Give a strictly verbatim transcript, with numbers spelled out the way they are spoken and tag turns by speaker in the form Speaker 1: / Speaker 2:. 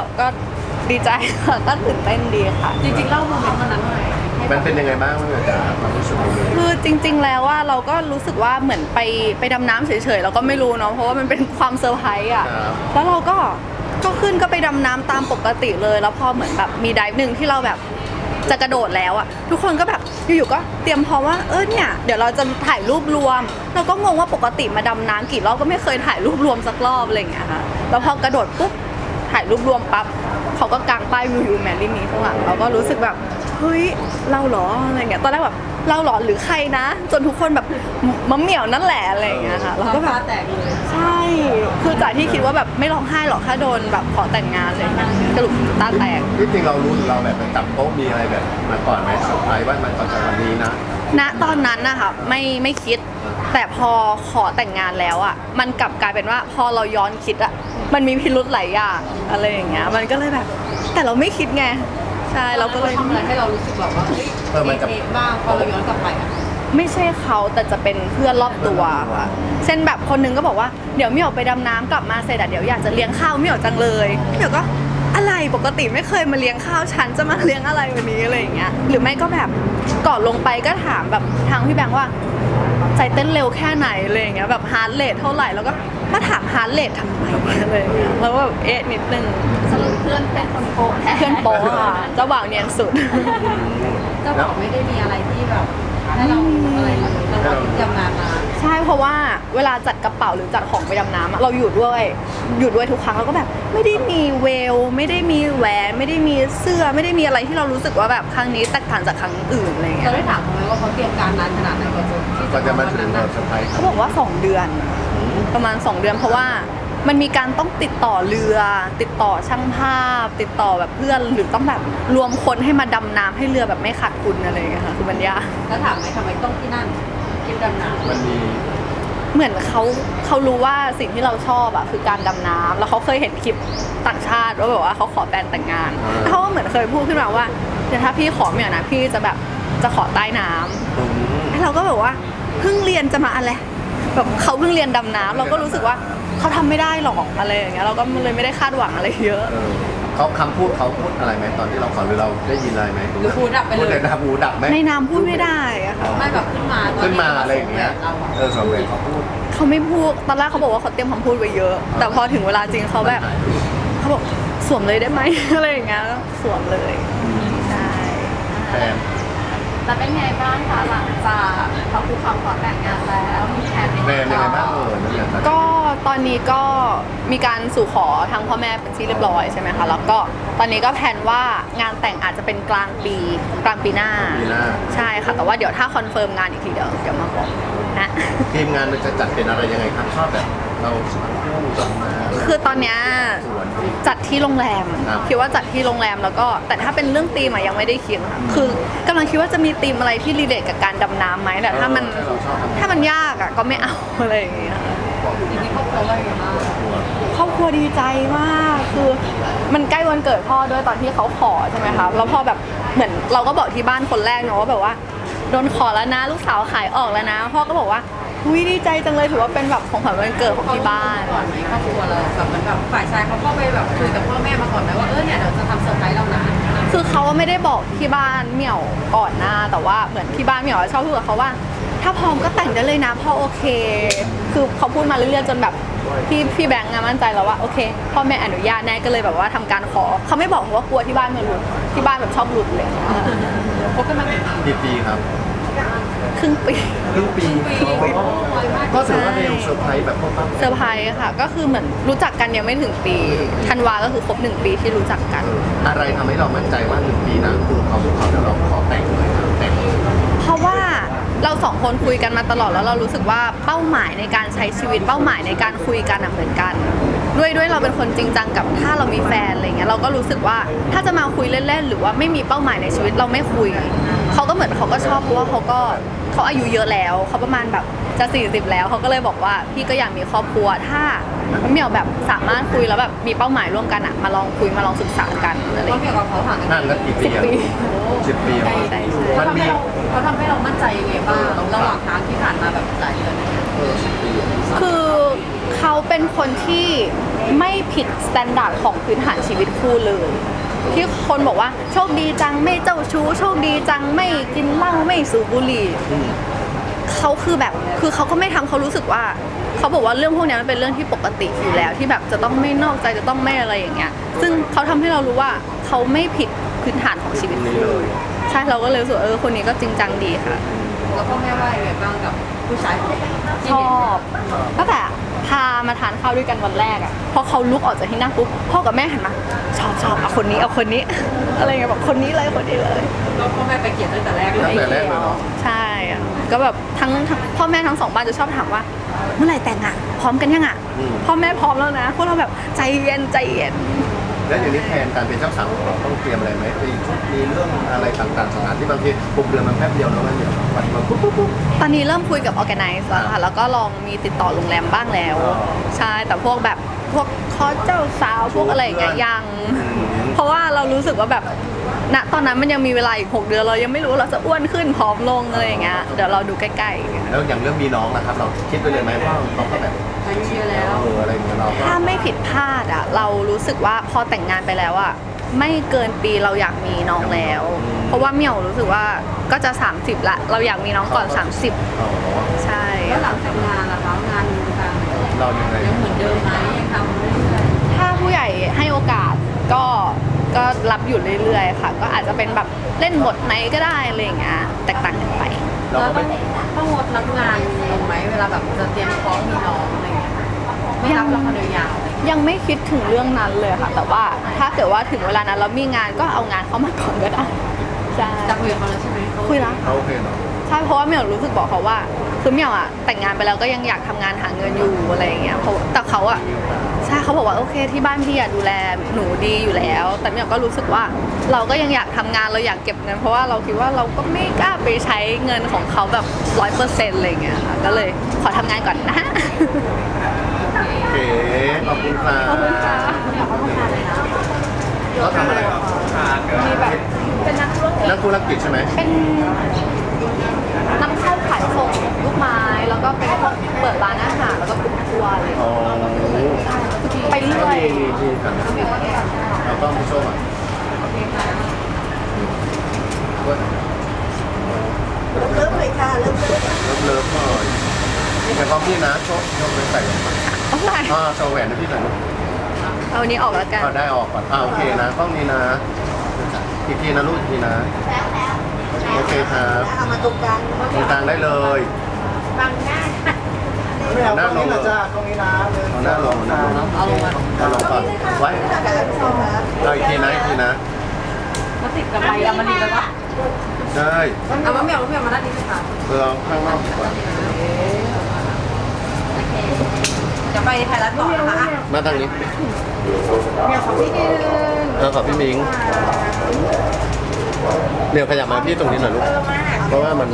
Speaker 1: ก็ดีใจค่ะก็ตื่นเต้นดีค่ะ
Speaker 2: จริงๆเล่าโมเมนต์วันนั้นหน่อย
Speaker 3: มันเป็นยังไงบ้างมันจะความรู้สึกของเรา
Speaker 1: คือจริงๆแล้วว่าเราก็รู้สึกว่าเหมือนไปไปดำน้ำเฉยๆเราก็ไม่รู้เนาะเพราะว่ามันเป็นความเซอร์ไพรส์อ่ะแล้วเราก็ก็ขึ้นก็ไปดำน้ำตามปกติเลยแล้วพอเหมือนแบบมีไดฟ์หนึ่งที่เราแบบจะกระโดดแล้วอ่ะทุกคนก็แบบอยู่ๆก็เตรียมพร้อมว่าเออเนี่ยเดี๋ยวเราจะถ่ายรูปรวมเราก็งงว่าปกติมาดำน้ำกี่รอบก็ไม่เคยถ่ายรูปรวมสักรอบอะไรอย่างเงี้ยค่ะแล้วพอกระโดดปุ๊บถ่ายรูปรวมปั๊บเขาก็กางป้ายวิวยูแมรี่มีข้างหลังเราก็รู้สึกแบบเฮ้ยเราเหรออะไรเงี้ยตอนแรกแบบเราเหรอหรือใครนะจนทุกคนแบบมะเหมี่ยวนั่นแหละอะไรอย่างเงี้ยค่ะเราก็แบบ
Speaker 2: แตกเลย
Speaker 1: ใช่คือจากที่คิดว่าแบบไม่ร้องไห้หรอกถ้าโดนแบบขอแต่งงานเลยสรุปตาแตก
Speaker 3: ที่จริงเรารู้หรือเราแบบไปจับโต๊ะมีอะไรแบบมาก่อนไหมเซอร์ไพรส์ว่ามันตอนจากวันนี้นะ
Speaker 1: ณตอนนั้นนะคะไม่ไม่คิด แต่พอขอแต่งงานแล้วอ่ะมันกลับกลายเป็นว่าพอเราย้อนคิดอ่ะมันมีพิรุธหลายอย่างอะไรอย่างเงี้ยมันก็เลยแบบ แต่เราไม่คิดไงใช่เราก็เลย
Speaker 2: ทำอะไรให้เรารู้สึกแบบว่าเฮ้ยเอ๊ะบ้างพอเราย้อนกลับไปอ่ะ
Speaker 1: ไม่ใช่เขาแต่จะเป็นเพื่อนรอบตัวค่ะเช่นแบบคนนึงก็บอกว่าเดี๋ยวเหมี่ยวไปดำน้ำกลับมาเสร็จอะเดี๋ยวอยากจะเลี้ยงข้าวเหมี่ยวจังเลยเหมี่ยวก็อะไรปกติไม่เคยมาเลี้ยงข้าวฉันจะมาเลี้ยงอะไรวันนี้อะไรอย่างเงี้ยหรือไม่ก็แบบก่อนลงไปก็ถามแบบทางพี่แบงค์ว่าใจเต้นเร็วแค่ไหนอะไรอย่างเงี้ยแบบฮาร์ทเรทเท่าไหร่แล้วก็มาถามฮาร์ทเรททำไมอะไรอย่างเงี้ยแล้วก็แบบเอ๊ะนิดนึง
Speaker 2: สรุปเพื่อนเป็นคนโกงแท้
Speaker 1: เพื่อนโป๊ะค่ะเจ้าบ่าวเนียนสุด
Speaker 2: เจ้าบอกไม่ได้มีอะไรที่แบบให้เราอะไรเลยเราก็ทำงานมา
Speaker 1: ใช่เพราะว่าเวลาจัดกระเป๋าหรือจัดของไปดำน้ำอะเราอยู่ด้วยอยู่ด้วยทุกครั้งเราก็แบบไม่ได้มีเวลไม่ได้มีแหวนไม่ได้มีเสื้อไม่ได้มีอะไรที่เรารู้สึกว่าแบบครั้งนี้แตกต่างจากครั้งอื่นอะไรเงี้
Speaker 2: เรา
Speaker 1: ย
Speaker 2: ได้ถามเขาไหมว่าเขาเตรียมการนานขนาดไหนกว่าจะที่
Speaker 3: ก็
Speaker 2: จะ
Speaker 3: จะ
Speaker 2: มา
Speaker 3: มา
Speaker 2: วัน
Speaker 3: ถึง
Speaker 2: นั้น
Speaker 3: เรา
Speaker 2: นะ
Speaker 3: เซอร์ไพรส์
Speaker 1: เขาบอกว่าสองเดือนประมาณสองเดือนเพราะว่ามันมีการต้องติดต่อเรือ ติดต่อช่างภาพ ติดต่อแบบเพื่อนหรือต้องแบบรวมคนให้มาดำน้ำให้เรือแบบไม่ขาดทุนอะไรอย่างเงี้ยค่ะคือมันยาก
Speaker 2: แล้วถามไหมทำไมต้องที่นั่นคิดดำน้ำ
Speaker 3: มันมี
Speaker 1: เหมือนเขาเขารู้ว่าสิ่งที่เราชอบอะคือการดำน้ำแล้วเขาเคยเห็นคลิปต่างชาติว่าแบบว่าเขาขอแฟนแต่งงานแล้วเขาก็เหมือนเคยพูดขึ้นมาว่าเดี๋ยวถ้าพี่ขอเนี่ยนะพี่จะแบบจะขอใต้น้ำแล้วเราก็แบบว่าเพิ่งเรียนจะมาอะไรแบบเขาเพิ่งเรียนดำน้ำเราก็รู้สึกว่าเขาทำไม่ได้หรอกอะไรอย่างเงี้ยเราก็เลยไม่ได้คาดหวังอะไรเยอะ
Speaker 3: เออเขาคำพูดเขาพูดอะไรไหมตอนที่เราขอหรือเราได้ยินอะไรไหม
Speaker 2: หรือพูดดับไป
Speaker 3: พูด
Speaker 2: เล
Speaker 3: เลย ยนะหูดับไหม
Speaker 1: ในน้ำพูดไม่ได้อะค่ะ
Speaker 2: ไม่แบบขึ้นมาตอน
Speaker 3: ขึ้น
Speaker 2: ที่
Speaker 3: มาอะไรอย่างเงี้ย
Speaker 2: เราอะ
Speaker 3: เออสองเวรเขาพูด
Speaker 1: เขาไม่พูดตอนแรกเขาบอกว่าเขาเตรียมคำพูดไว้เยอะ แต่พอถึงเวลาจริงเขาแบบเขาบอกสวมเลยได้ไหม อะไรอย่างเงี้ยก็สวมเลยใช่
Speaker 3: แฟน
Speaker 2: แล้วเป็นไงบ้างคะหลังจากเขาคุกเข่าขอแต่งงานแล้วมีแผน
Speaker 3: แฟนยังไงบ้างเออนั่นแหละ
Speaker 1: ก็ตอนนี้ก็มีการสู่ขอทางพ่อแม่เป็นที่เรียบร้อยใช่ไหมคะแล้วก็ตอนนี้ก็แผนว่างานแต่งอาจจะเป็นกลางปีกลางปีหน้า
Speaker 3: ปีหน้า
Speaker 1: ใช่ค่ะแต่ว่าเดี๋ยวถ้าคอนเฟิร์มงานอีกทีเดี๋ยวเดี๋ยวมาบอกนะ
Speaker 3: ทีมงานมันจะจัดเป็นอะไรยังไงครับชอบแบบเราสองคู่สองมา
Speaker 1: คือตอนเนี้ย
Speaker 3: สวน
Speaker 1: จัดที่โรงแรม
Speaker 3: ครับ
Speaker 1: คิดว่าจัดที่โรงแรมแล้วก็แต่ถ้าเป็นเรื่องธีมอะยังไม่ได้คิดค่ะคือกำลังคิดว่าจะมีธีมอะไรที่รีเลทกับการดำน้ำไหมแต่ถ้ามัน
Speaker 3: เออเราชอบทำ
Speaker 1: ถ้ามันยากอ่ะก็ไม่เอา อะไรอย่างเงี้ย
Speaker 2: จริงๆครอบครัวว่ายังไงบ้าง
Speaker 1: ครอบครัวดีใจมากคือมันใกล้วันเกิดพ่อด้วยตอนที่เขาขอใช่ไหมคะแล้วพอแบบเหมือนเราก็บอกที่บ้านคนแรกเนาะว่าแบบว่าโดนขอแล้วนะลูกสาวขายออกแล้วนะพ่อก็บอกว่าอุ้ยดีใจจังเลยถือว่าเป็นแบบของขวัญวันเกิดของที่บ้าน
Speaker 2: ก่อนไหมครอบครัวเราแบบเหมือนแบบฝ่ายชายเขาก็ไปแบบคุยกับพ่อแม่มาก่อนไหมว่าเออเนี่ยเดี๋ยวจะทำเซอร์ไพรส์เรานะ
Speaker 1: คือเขาไม่ได้บอกที่บ้านเหมี่ยวก่อนหน้าแต่ว่าเหมือนที่บ้านเหมี่ยวชอบพูดกับเขาว่า ถ้าพร้อมก็แต่งได้เลยนะพ่อโอเค คือเขาพูดมาเรื่อยๆจนแบบพี่พี่แบงค์อะมั่นใจแล้วว่าโอเคพ่อแม่อนุญาตแน่ก็เลยแบบว่าทำการขอเขาไม่บอกเพราะว่ากลัวที่บ้านมาหลุดที่บ้านแบบชอบหลุดเลย
Speaker 2: พบกันมากี่ปี
Speaker 3: กี่ปีครับ
Speaker 1: ครึ่งปี
Speaker 3: ครึ่งปีก็ถือว่าเร็วเซอร์ไพรส์แบบปุ๊บปั๊บ
Speaker 1: เซอร์ไพรส์ค่ะ ก็คือเหมือนรู้จักกันยังไม่ถึงปีธันวาก็คือครบหนึ่งปีที่รู้จักกัน
Speaker 3: อะไรทำให้เรามั่นใจว่าหนึ่งปีนะคือเขาพูดเขาเดี๋ยวเราขอแต่งเลยนะแต่งเลย
Speaker 1: เพราะว่าเราสองคนคุยกันมาตลอดแล้วเรารู้สึกว่าเป้าหมายในการใช้ชีวิตเป้าหมายในการคุยกันอะเหมือนกัน ด้วยด้วยเราเป็นคนจริงจังกับถ้าเรามีแฟนอะไรเงี้ยเราก็รู้สึกว่าถ้าจะมาคุยเล่นๆหรือว่าไม่มีเป้าหมายในชีวิตเราไม่คุยเขาก็เหมือนเขาก็ชอบเพราะว่าเขาก็เขาอายุเยอะแล้วเขาประมาณแบบจะสี่สิบแล้วเขาก็เลยบอกว่าพี่ก็อยากมีครอบครัวถ้าเหมียวแบบสามารถคุยแล้วแบบมีเป้าหมายร่วมกันอะมาลองคุยมาลองศึกษากันอะไร
Speaker 2: เขา
Speaker 1: เงี้ย
Speaker 2: เกี่ยวกับเขาห่างกัน
Speaker 3: ห่างกันกี่ปี
Speaker 1: สิบ
Speaker 3: อะ
Speaker 1: ปี
Speaker 3: สิบปีเหรอ
Speaker 1: ใช่
Speaker 2: เขา
Speaker 3: มัน
Speaker 2: ทำ
Speaker 3: มี
Speaker 2: ให้เราเขาทำให้เรามั่นใจยังไงบ้างระหว่างทางที่ผ่านมาแบบหลายเดือน
Speaker 3: เออสิบปีอะ
Speaker 1: คือเขาเป็นคนที่ไม่ผิดสแตนดาร์ดของพื้นฐานชีวิตคู่เลย ที่คนบอกว่าโชคดีจังไม่เจ้าชู้โชคดีจังไม่กินเหล้าไม่สูบบุหรี่เขาคือแบบคือเขาก็ไม่ทำเขารู้สึกว่าเขาบอกว่าเรื่องพวกนี้มันเป็นเรื่องที่ปกติอยู่แล้ว ที่แบบจะต้องไม่นอกใจจะต้องไม่อะไรอย่างเงี้ยซึ่งเขาทำให้เรารู้ว่าเขาไม่ผิดพื้นฐานของชีวิตคู่เลยใช่เราก็เลยรู้สึกว่าเออคนนี้ก็จริงจังดีค่ะ
Speaker 2: แล้วพ่อแม่ว่ายังไงบ้างกับผู้ชายคนนี้ที่
Speaker 1: ช
Speaker 2: เห็น
Speaker 1: อบตั้งแต่พามาทานข้าวด้วยกันวันแรกอ่ะพอเขาลุกออกจากที่นั่งปุ๊บพ่อกับแม่หันมาชอบชอบเอาคนนี้เอาคนนี้ อะไรเงี้ยแบบคนนี้เลยคนนี้เลย
Speaker 2: ก็พ่อแม่ไปเกลียดตั้งแต่แรกเล
Speaker 3: ตั้
Speaker 2: ย
Speaker 3: งแต่แรกเลยเนาะ
Speaker 1: ใช่อะก็แบบทั้งทั้งพ่อแม่ทั้งสองบ้านจะชอบถามว่า เมื่อไหร่แต่งอ่ะพร้อมกันยังอ่ะพ่อแม่พร้อมแล้วนะพวกเราแบบใจเย็นใจเย็น
Speaker 3: แล้วอย่างนี้แทนการเป็นเจ้าสาวของเราต้องเตรียมอะไรไหมมีชุดมีเรื่องอะไรต่างๆสถานที่บางทีหกเดือนมันแป๊บเดียวแล้วมันเดี๋ยววันมาปุ๊บปุ๊บปุ๊บ
Speaker 1: ตอนนี้เริ่มคุยกับ organize แล้วค่ะแล้วก็ลองมีติดต่อโรงแรมบ้างแล้ว
Speaker 3: อ๋อ
Speaker 1: ใช่แต่พวกแบบพวกคอเจ้าสาวพวกอะไรอย่างเงี้ยยัง เพราะว่าเรารู้สึกว่าแบบณตอนนั้นมันยังมีเวลาอีกหกเดือนเรายังไม่รู้ว่าเราจะอ้วนขึ้นผอมลงอะไรอย่างเงี้ยเดี๋ยวเราดูใกล้ๆ
Speaker 3: แล้วอย่างเรื่องมีน้องนะครับ เราคิดไปเลยไหมว่าเราก็แบบ
Speaker 2: อายุเยอะแล้ว
Speaker 3: เอออะไรอย่างเงี้ยเราก็
Speaker 1: ถ้าไม่ผิดพลาดอ่ะเรารู้สึกว่าพอแต่งงานไปแล้วอ่ะไม่เกินปีเราอยากมีน้องแล้ว เพราะว่าเหมี่ยวรู้สึกว่าก็จะ สามสิบละเราอยากมีน้องก่อน สามสิบ
Speaker 3: อ๋อ
Speaker 1: ใช่
Speaker 2: แล้วหลังแต่งงานล่ะคะงานทาง
Speaker 3: เรายังไง
Speaker 2: ยังเหมือนเดิมไหมยังทำเรื่อย
Speaker 1: ถ้าผู้ใหญ่ให้โอกาสก็ก็รับอยู่เรื่อยๆค่ะ ก็อาจจะเป็นแบบเล่นบทไหนก็ได้อะไรอย่างเงี้ยแตกต่างกันไป
Speaker 2: ๆ
Speaker 3: เรา
Speaker 2: แล้ว
Speaker 3: ก็
Speaker 2: ต้
Speaker 3: ไม่
Speaker 2: องต้องงดรับงานลงไหมเวลาแบบจะเตรียมท้องมีน้องอะไรอย่างเงี้ยไม่รับละครยาวๆอะไรอย่างเงี้ย
Speaker 1: ยังไม่คิดถึงเรื่องนั้นเลยค่ะ แต่ว่าถ้าเกิดว่าถึงเวลานั้นเรามีงานก็เอางานเข้ามาก่อนก็ได้ใช่
Speaker 2: จะคุยกับเขาแล้วใช่ไหมเขา
Speaker 1: คุยแล้ว
Speaker 3: เขาโอเคเนาะ
Speaker 1: ใช่เพราะว่าเหมียวรู้สึกบอกเขาว่าคือเหมียวอะแต่งงานไปแล้วก็ยังอยากทำงานหาเงินอยู่อะไรอย่างเงี้ยเพราะแต่เขาอะใช่เขาบอกว่าโอเคที่บ้านพี่อะดูแลหนูดีอยู่แล้ว แต่เหมียวก็รู้สึกว่าเราก็ยังอยากทำงานเราอยากเก็บเงิน เพราะว่าเราคิดว่าเราก็ไม่กล้าไปใช้เงินของเขาแบบร้อยเปอร์เซ็นต์อะไรอย่างเงี้ยค่ะก็เลยขอทำงานก่อนนะ
Speaker 3: โอเคขอบคุณค่ะ
Speaker 1: ขอบคุณค่ะ
Speaker 3: เขาทำอะไรครับ
Speaker 1: มีแบบเป็นนักธุรกิจ
Speaker 3: นักธุรกิจใช่ไหม
Speaker 1: เป็นนำเข้าขายส่งลูกไม้แล้วก็เป็นพวกเปิดร้านอาหารแล้วก็กลุ่มทัวร์อะไรอย่าง
Speaker 3: อ๋
Speaker 1: เงี้ย
Speaker 3: อ
Speaker 1: ไปเรื่อย
Speaker 3: มีมีมีกันเราต้องไปโชว์อ่ะเลิฟเลิฟเลยค่ะเลิฟเลิฟเลิฟเลิฟหน่อยแต่พร้อมพี่นะโชว์โชว์ไปใส่
Speaker 1: โอ้ย
Speaker 3: อ่าโชว์แหวนให้พี่หน่อยลูก
Speaker 1: เอาอันนี้ออกแล้วกัน
Speaker 3: เอาได้ออกก่อนอ่าโอเคนะกล้องนี้นะอีกทีนะลูกอีกทีนะโอเคครับเอามาตรงกลางตรงกลางได้เลยบังหน้าเอาหน้าลงเลยเอาหน้าลงเอาหน้าลง
Speaker 2: เอาลงมา
Speaker 3: เอาลงก่อนไว้เอาอีกทีนะอีกทีนะ
Speaker 2: แล้วติดกับใบดำมันดีแล้วปะ
Speaker 3: ได้
Speaker 2: เอามะเหมียวมะเหมียวมาด้านนี้สิคะ
Speaker 3: เพื่อข้างนอกดีกว่า
Speaker 2: จะไปไทยรัฐต่อนะคะ
Speaker 3: มาทางนี้เออขอพี่มิงเดี๋ยวขยับมาพี่ตรงนี้หน่อยลูกเพราะว่ามัน